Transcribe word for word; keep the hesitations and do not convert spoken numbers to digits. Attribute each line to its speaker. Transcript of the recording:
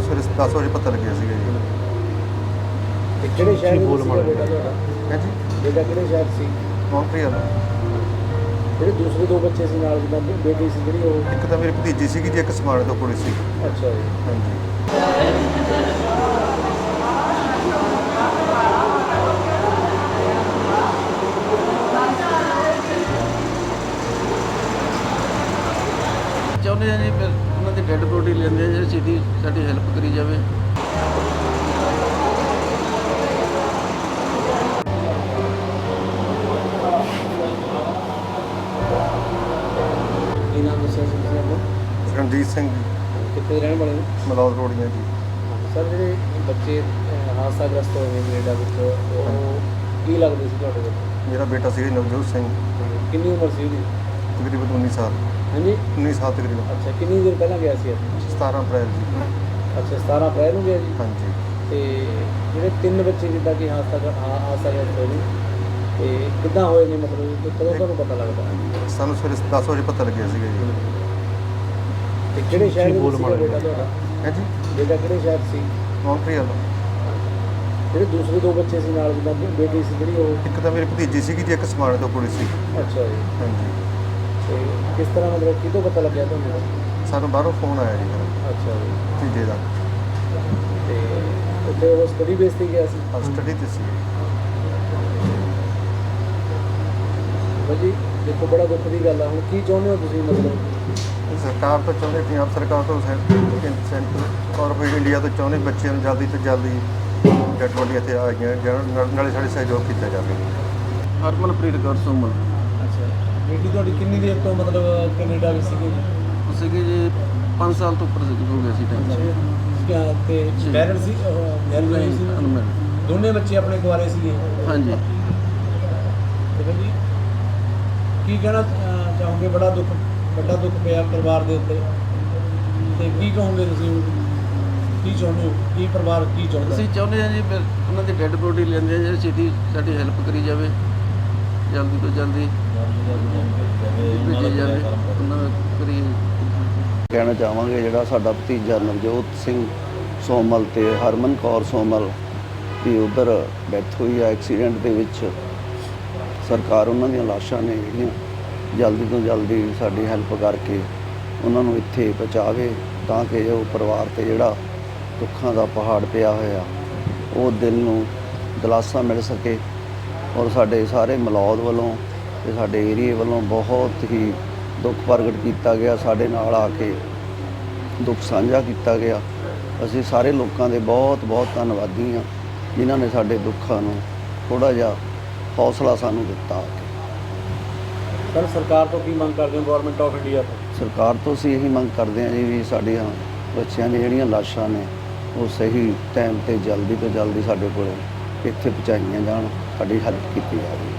Speaker 1: ਸਵੇਰੇ ਦਸ ਵਜੇ ਪਤਾ ਲੱਗਿਆ ਸੀਗਾ ਜੀ।
Speaker 2: ਤੇ ਕਿਹੜੇ ਸ਼ਹਿਰ ਦੇ ਵਿੱਚ ਬੇਟਾ ਤੁਹਾਡਾ?
Speaker 1: ਹੈ ਜੀ,
Speaker 2: ਬੇਟਾ ਕਿਹੜੇ ਸ਼ਹਿਰ ਸੀ?
Speaker 1: ਮੌਂਟਰੀਅਲ।
Speaker 2: ਜਿਹੜੇ ਦੂਸਰੇ ਦੋ ਬੱਚੇ ਸੀ ਨਾਲ ਜਿੱਦਾਂ ਬੇਟੀ ਸੀ ਜਿਹੜੀ ਉਹ?
Speaker 1: ਇੱਕ ਤਾਂ ਮੇਰੀ ਭਤੀਜੀ ਸੀਗੀ ਜੀ, ਇੱਕ ਸਮਾਣੇ ਤੋਂ ਕੁੜੀ ਸੀ।
Speaker 2: ਅੱਛਾ ਜੀ।
Speaker 1: ਹਾਂਜੀ।
Speaker 3: ਚਾਹੁੰਦੇ ਹਾਂ ਜੀ ਫਿਰ ਉਹਨਾਂ ਦੀ ਡੈੱਡ ਬੋਡੀ ਲੈਂਦੇ ਆ ਜੀ, ਸਿੱਧੀ ਸਾਡੀ ਹੈਲਪ ਕਰੀ ਜਾਵੇ।
Speaker 2: ਕੀ ਨਾਮ ਦੱਸਿਆ ਸੀ ਤੁਸੀਂ ਆਪਣਾ?
Speaker 1: ਰਣਜੀਤ ਸਿੰਘ ਜੀ,
Speaker 2: ਕਿੱਥੇ ਰਹਿਣ ਵਾਲੇ ਨੇ?
Speaker 1: ਮਲੌਦ ਰੋੜੀਆਂ ਜੀ।
Speaker 2: ਸਰ ਜਿਹੜੇ ਬੱਚੇ ਅਹ, ਹਾਦਸਾਗ੍ਰਸਤ ਹੋਏ ਨੇ ਕੈਨੇਡਾ ਵਿੱਚ, ਉਹ ਕੀ ਲੱਗਦੇ ਸੀ ਤੁਹਾਡੇ ਵਿੱਚ?
Speaker 1: ਮੇਰਾ ਬੇਟਾ ਸੀ ਨਵਜੋਤ ਸਿੰਘ,
Speaker 2: ਕਿੰਨੀ ਉਮਰ ਸੀ ਉਹਦੀ?
Speaker 1: ਤਕਰੀਬਨ ਉੱਨੀ ਸਾਲ।
Speaker 2: ਹਾਂਜੀ।
Speaker 1: ਉੱਨੀ ਸਾਲ ਤਕਰੀਬਨ।
Speaker 2: ਅੱਛਾ, ਕਿੰਨੀ ਦੇਰ ਪਹਿਲਾਂ ਗਿਆ ਸੀ ਇੱਥੇ?
Speaker 1: ਸਤਾਰਾਂ ਅਪ੍ਰੈਲ ਜੀ।
Speaker 2: ਅੱਛਾ, ਸਤਾਰਾਂ ਅਪ੍ਰੈਲ ਨੂੰ ਗਿਆ ਜੀ।
Speaker 1: ਹਾਂਜੀ।
Speaker 2: ਤੇ ਜਿਹੜੇ ਤਿੰਨ ਬੱਚੇ ਜਿੱਦਾਂ ਕਿ ਹਾਦਸਾ ਹਾਂ ਹਾਦਸਾਗ੍ਰਸਤ ਹੋਏ ਨੇ, ਤੇ ਕਿੱਦਾਂ ਹੋਏ ਨੇ, ਮਤਲਬ ਕਿ ਕਦੋਂ ਤੁਹਾਨੂੰ ਪਤਾ ਲੱਗਦਾ?
Speaker 1: ਸਾਨੂੰ ਸਵੇਰੇ ਦਸ ਵਜੇ ਪਤਾ ਲੱਗਿਆ ਸੀਗਾ ਜੀ।
Speaker 2: ਤੇ ਕਿਹੜੇ ਸ਼ਹਿਰ ਦੇ ਵਿੱਚ ਸੀਗਾ ਬੇਟਾ ਤੁਹਾਡਾ?
Speaker 1: ਹੈ ਜੀ,
Speaker 2: ਬੇਟਾ ਕਿਹੜੇ ਸ਼ਹਿਰ ਸੀ?
Speaker 1: ਮੌਂਟਰੀਅਲ।
Speaker 2: ਜਿਹੜੇ ਦੂਸਰੇ ਦੋ ਬੱਚੇ ਸੀ ਨਾਲ ਜਿੱਦਾਂ ਬੇਟੀ ਸੀ ਜਿਹੜੀ ਉਹ?
Speaker 1: ਇੱਕ ਤਾਂ ਮੇਰੀ ਭਤੀਜੀ ਸੀਗੀ ਜੀ, ਇੱਕ ਸਮਾਣੇ ਤੋਂ ਕੁੜੀ ਸੀ।
Speaker 2: ਅੱਛਾ ਜੀ।
Speaker 1: ਹਾਂਜੀ।
Speaker 2: ਤੇ ਕਿਸ ਤਰ੍ਹਾਂ ਮਤਲਬ ਕਿਹਦੋਂ ਪਤਾ ਲੱਗਿਆ ਤੁਹਾਨੂੰ?
Speaker 1: ਸਾਨੂੰ ਬਾਹਰੋਂ ਫੋਨ ਆਇਆ ਜੀ ਫਿਰ
Speaker 2: ਅੱਛਾ ਜੀ।
Speaker 1: ਭਤੀਜੇ ਦਾ।
Speaker 2: ਤੇ ਉੱਥੇ ਉਹ ਸਟੱਡੀ ਬੇਸ 'ਤੇ ਗਿਆ ਸੀ?
Speaker 1: ਸਟੱਡੀ ਤੇ ਸੀ।
Speaker 2: ਭਾਜੀ ਦੇਖੋ, ਬੜਾ ਦੁੱਖ ਦੀ ਗੱਲ ਆ। ਹੁਣ ਕੀ ਚਾਹੁੰਦੇ ਹੋ ਤੁਸੀਂ? ਮਤਲਬ
Speaker 1: ਸਰਕਾਰ ਤੋਂ ਚਾਹੁੰਦੇ, ਪੰਜਾਬ ਸਰਕਾਰ ਤੋਂ ਸੈਂਟਰ ਔਰ ਫਿਰ ਇੰਡੀਆ ਤੋਂ ਚਾਹੁੰਦੇ ਬੱਚਿਆਂ ਨੂੰ ਜਲਦੀ ਤੋਂ ਜਲਦੀ ਡੈਡ ਬੋਡੀ ਇੱਥੇ ਆ ਗਈਆਂ, ਜਿਹਨਾਂ ਨਾਲੇ ਸਾਡੇ ਸਹਿਯੋਗ ਕੀਤਾ ਜਾਵੇ।
Speaker 3: ਹਰਮਨਪ੍ਰੀਤ ਕੌਰ ਸੋਮਲ।
Speaker 2: ਅੱਛਾ, ਬੇਟੀ ਤੁਹਾਡੀ ਕਿੰਨੀ ਦੇਰ ਤੋਂ ਮਤਲਬ ਕੈਨੇਡਾ ਵਿੱਚ ਸੀਗੀ ਜੀ?
Speaker 3: ਉਹ ਸੀਗੇ ਜੀ ਪੰਜ ਸਾਲ ਤੋਂ ਉੱਪਰ ਹੋ ਗਿਆ ਸੀ ਟਾਈਮ।
Speaker 2: ਕਿਆ ਤੇ ਮੈਰਿਡ ਸੀ? ਮੈਰਿਡ ਸੀ?
Speaker 3: ਅਨਮੈਰਿਡ।
Speaker 2: ਦੋਨੇ ਬੱਚੇ ਆਪਣੇ ਕੁਆਰੇ ਸੀਗੇ?
Speaker 3: ਹਾਂਜੀ।
Speaker 2: ਤੇ ਭਾਜੀ ਕੀ ਕਹਿਣਾ ਅਹ, ਚਾਹੋਗੇ? ਬੜਾ ਦੁੱਖ ਵੱਡਾ ਦੁੱਖ ਪਿਆ ਪਰਿਵਾਰ ਦੇ ਉੱਤੇ, ਤੇ ਕੀ ਕਹੋਗੇ ਤੁਸੀਂ? ਕੀ ਚਾਹੁੰਦੇ ਹੋ? ਕੀ ਪਰਿਵਾਰ ਕੀ ਚਾਹੁੰਦਾ?
Speaker 3: ਅਸੀਂ ਚਾਹੁੰਦੇ ਹਾਂ ਜੀ ਫਿਰ ਉਹਨਾਂ ਦੀ ਡੈੱਡ ਬੋਡੀ ਲੈਂਦੇ ਆ ਜੀ, ਸਿੱਧੀ ਸਾਡੀ ਹੈਲਪ ਕਰੀ ਜਾਵੇ, ਜਲਦੀ ਤੋਂ ਜਲਦੀ ਭੇਜੀ ਜਾਵੇ ਉਹਨਾਂ ਦਾ ਕਰੀ।
Speaker 4: ਕਹਿਣਾ ਚਾਹਾਂਗੇ ਜਿਹੜਾ ਸਾਡਾ ਭਤੀਜਾ ਨਵਜੋਤ ਸਿੰਘ ਸੋਮਲ ਤੇ ਹਰਮਨ ਕੌਰ ਸੋਮਲ ਦੀ ਉੱਧਰ ਡੈਥ ਹੋਈ ਆ ਐਕਸੀਡੈਂਟ ਦੇ ਵਿੱਚ, ਸਰਕਾਰ ਉਹਨਾਂ ਦੀਆਂ ਲਾਸ਼ਾਂ ਨੇ ਜਿਹੜੀਆਂ ਜਲਦੀ ਤੋਂ ਜਲਦੀ ਸਾਡੀ ਹੈਲਪ ਕਰਕੇ ਉਹਨਾਂ ਨੂੰ ਇੱਥੇ ਪਹੁੰਚਾਵੇ, ਤਾਂ ਕਿ ਉਹ ਪਰਿਵਾਰ 'ਤੇ ਜਿਹੜਾ ਦੁੱਖਾਂ ਦਾ ਪਹਾੜ ਪਿਆ ਹੋਇਆ ਉਹ ਦਿਲ ਨੂੰ ਦਿਲਾਸਾ ਮਿਲ ਸਕੇ। ਔਰ ਸਾਡੇ ਸਾਰੇ ਮਲੌਦ ਵੱਲੋਂ ਤੇ ਸਾਡੇ ਏਰੀਏ ਵੱਲੋਂ ਬਹੁਤ ਹੀ ਦੁੱਖ ਪ੍ਰਗਟ ਕੀਤਾ ਗਿਆ, ਸਾਡੇ ਨਾਲ ਆ ਕੇ ਦੁੱਖ ਸਾਂਝਾ ਕੀਤਾ ਗਿਆ। ਅਸੀਂ ਸਾਰੇ ਲੋਕਾਂ ਦੇ ਬਹੁਤ ਬਹੁਤ ਧੰਨਵਾਦੀ ਹਾਂ ਜਿਨ੍ਹਾਂ ਨੇ ਸਾਡੇ ਦੁੱਖਾਂ ਨੂੰ ਥੋੜ੍ਹਾ ਜਿਹਾ ਹੌਸਲਾ ਸਾਨੂੰ ਦਿੱਤਾ।
Speaker 2: ਸਰ, ਸਰਕਾਰ ਤੋਂ ਕੀ ਮੰਗ ਕਰਦੇ ਹੋ? ਗਵਰਨਮੈਂਟ ਆਫ ਇੰਡੀਆ ਤੋਂ?
Speaker 4: ਸਰਕਾਰ ਤੋਂ ਅਸੀਂ ਇਹੀ ਮੰਗ ਕਰਦੇ ਹਾਂ ਜੀ ਵੀ ਸਾਡੀਆਂ ਬੱਚਿਆਂ ਦੀਆਂ ਜਿਹੜੀਆਂ ਲਾਸ਼ਾਂ ਨੇ ਉਹ ਸਹੀ ਟਾਈਮ 'ਤੇ ਜਲਦੀ ਤੋਂ ਜਲਦੀ ਸਾਡੇ ਕੋਲ ਇੱਥੇ ਪਹੁੰਚਾਈਆਂ ਜਾਣ, ਸਾਡੀ ਹੈਲਪ ਕੀਤੀ ਜਾਵੇ।